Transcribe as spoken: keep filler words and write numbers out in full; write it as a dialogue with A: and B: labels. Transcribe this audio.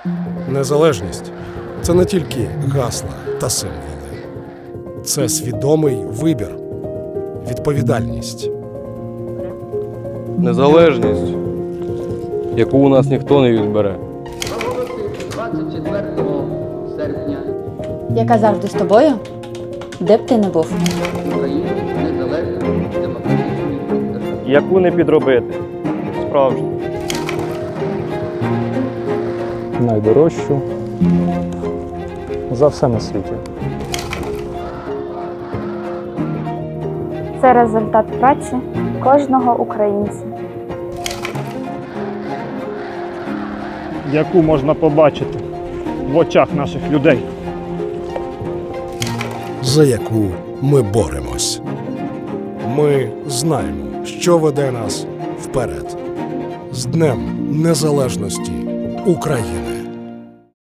A: Незалежність – це не тільки гасла та символи. Це свідомий вибір, відповідальність.
B: Незалежність, яку у нас ніхто не відбере.
C: двадцять четвертого серпня
D: Яка завжди з тобою, де б ти не був.
C: Україну незалежною демократичною державою.
B: Яку не підробити. Справжню.
E: Найдорожчу за все на світі.
F: Це результат праці кожного українця.
G: Яку можна побачити в очах наших людей.
A: За яку ми боремось. Ми знаємо, що веде нас вперед. З Днем Незалежності України!